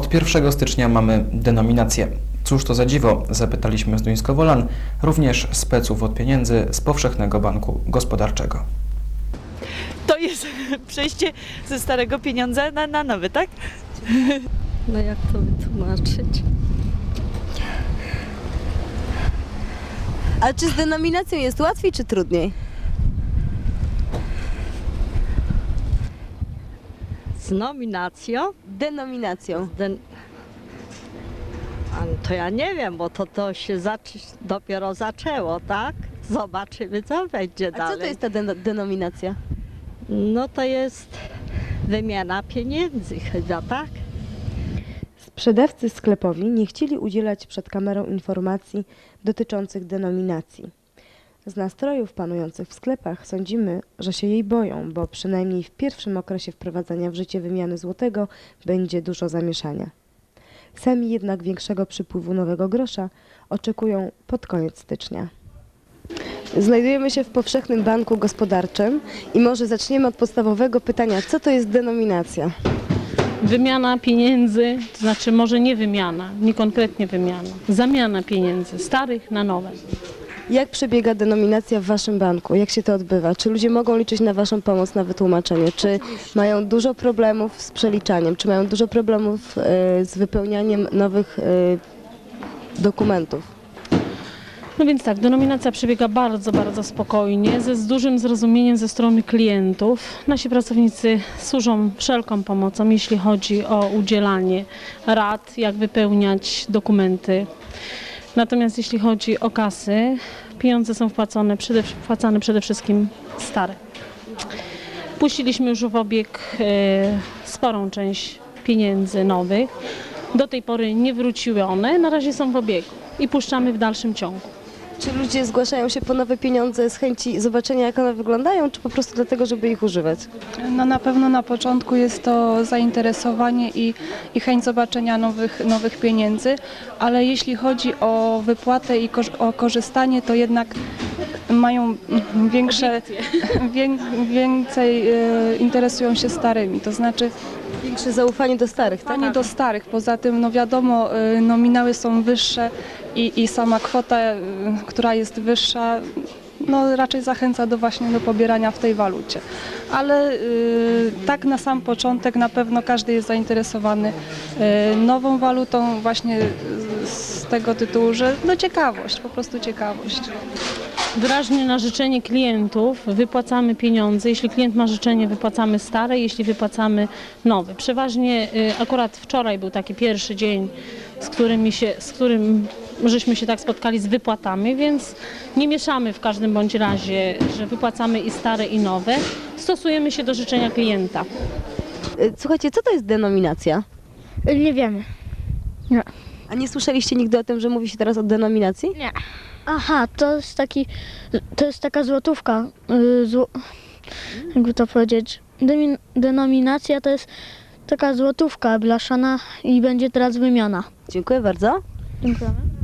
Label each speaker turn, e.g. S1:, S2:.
S1: Od 1 stycznia mamy denominację. Cóż to za dziwo? Zapytaliśmy z Duńsko-Wolan, również speców od pieniędzy z Powszechnego Banku Gospodarczego.
S2: To jest przejście ze starego pieniądza na nowy, tak?
S3: No jak to wytłumaczyć?
S4: A czy z denominacją jest łatwiej czy trudniej?
S3: Z nominacją?
S4: Denominacją.
S3: To ja nie wiem, bo to się dopiero zaczęło, tak? Zobaczymy, co będzie
S4: A
S3: dalej.
S4: co to jest ta denominacja?
S3: No to jest wymiana pieniędzy chyba, tak?
S5: Sprzedawcy sklepowi nie chcieli udzielać przed kamerą informacji dotyczących denominacji. Z nastrojów panujących w sklepach sądzimy, że się jej boją, bo przynajmniej w pierwszym okresie wprowadzania w życie wymiany złotego będzie dużo zamieszania. Sami jednak większego przypływu nowego grosza oczekują pod koniec stycznia. Znajdujemy się w Powszechnym Banku Gospodarczym i może zaczniemy od podstawowego pytania, co to jest denominacja?
S6: Wymiana pieniędzy, to znaczy może nie wymiana, nie konkretnie wymiana, zamiana pieniędzy starych na nowe.
S5: Jak przebiega denominacja w Waszym banku? Jak się to odbywa? Czy ludzie mogą liczyć na Waszą pomoc, na wytłumaczenie? Czy mają dużo problemów z przeliczaniem? Czy mają dużo problemów z wypełnianiem nowych dokumentów?
S6: No więc tak, denominacja przebiega bardzo, bardzo spokojnie, z dużym zrozumieniem ze strony klientów. Nasi pracownicy służą wszelką pomocą, jeśli chodzi o udzielanie rad, jak wypełniać dokumenty. Natomiast jeśli chodzi o kasy, pieniądze są wpłacane przede wszystkim stare. Puściliśmy już w obieg sporą część pieniędzy nowych. Do tej pory nie wróciły one, na razie są w obiegu i puszczamy w dalszym ciągu.
S5: Czy ludzie zgłaszają się po nowe pieniądze z chęci zobaczenia, jak one wyglądają, czy po prostu dlatego, żeby ich używać?
S7: No na pewno na początku jest to zainteresowanie i chęć zobaczenia nowych pieniędzy, ale jeśli chodzi o wypłatę i o korzystanie, to jednak mają więcej interesują się starymi, to znaczy
S5: Większe zaufanie do starych, tak?
S7: zaufanie do starych. Poza tym, no wiadomo, nominały są wyższe i sama kwota, która jest wyższa, no raczej zachęca właśnie do pobierania w tej walucie. Ale tak na sam początek na pewno każdy jest zainteresowany nową walutą właśnie z tego tytułu, że no ciekawość, po prostu ciekawość.
S6: Wyraźnie na życzenie klientów wypłacamy pieniądze. Jeśli klient ma życzenie, wypłacamy stare, jeśli wypłacamy nowe. Przeważnie akurat wczoraj był taki pierwszy dzień, z którym żeśmy się tak spotkali z wypłatami, więc nie mieszamy w każdym bądź razie, że wypłacamy i stare i nowe. Stosujemy się do życzenia klienta.
S4: Słuchajcie, co to jest denominacja?
S8: Nie wiemy.
S4: A nie słyszeliście nigdy o tym, że mówi się teraz o denominacji?
S8: Nie. Aha, to jest taka złotówka. Jakby to powiedzieć. Denominacja to jest taka złotówka blaszana i będzie teraz wymiana.
S4: Dziękuję bardzo.
S8: Dziękujemy.